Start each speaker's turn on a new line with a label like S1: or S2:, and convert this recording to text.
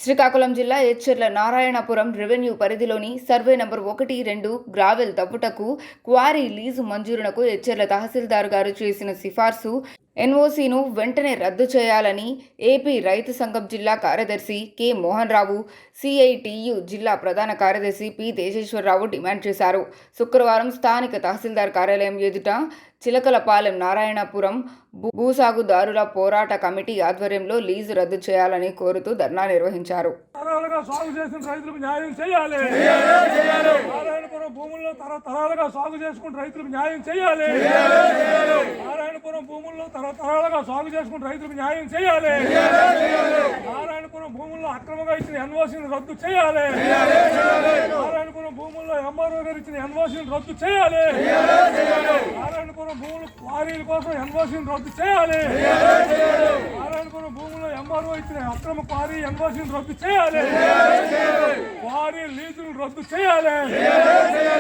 S1: శ్రీకాకుళం జిల్లా ఎచ్చెర్ల నారాయణపురం రెవెన్యూ పరిధిలోని survey number 1, 2 gravel తవ్వుటకు క్వారీ లీజు మంజూరునకు ఎచ్చెర్ల తహసీల్దార్ గారు చేసిన సిఫార్సు ఎన్ఓసీను వెంటనే రద్దు చేయాలని ఏపీ రైతు సంఘం జిల్లా కార్యదర్శి కె మోహన్ రావు, సిఐటియు జిల్లా ప్రధాన కార్యదర్శి పి తేజేశ్వరరావు డిమాండ్ చేశారు. శుక్రవారం స్థానిక తహసీల్దార్ కార్యాలయం ఎదుట చిలకలపాలెం నారాయణపురం భూసాగుదారుల పోరాట కమిటీ ఆధ్వర్యంలో లీజు రద్దు చేయాలని కోరుతూ ధర్నా నిర్వహించారు.
S2: భూముల్లో తరతరాలుగా సాగు చేసుకుంటూ రైతులకు న్యాయం చేయాలి. నారాయణపురం భూముల్లో తరతరాలుగా సాగు చేసుకుంటూ రైతులకు న్యాయం చేయాలి. నారాయణపురం భూముల్లో అక్రమంగా ఇచ్చిన ఎన్ఓసీని రద్దు చేయాలి. నారాయణపురం భూముల్లో ఎంఆర్ఓ గారు ఇచ్చిన ఎన్ఓసీని రద్దు చేయాలి. నారాయణపురం భూములు క్వారీల కోసం ఎన్ఓసీని రద్దు చేయాలి. నారాయణపురం భూముల్లో ఎంఆర్ఓ ఇచ్చిన అక్రమ క్వారీ ఎన్ఓసీని రద్దు చేయాలి. క్వారీ లీజును రద్దు చేయాలి.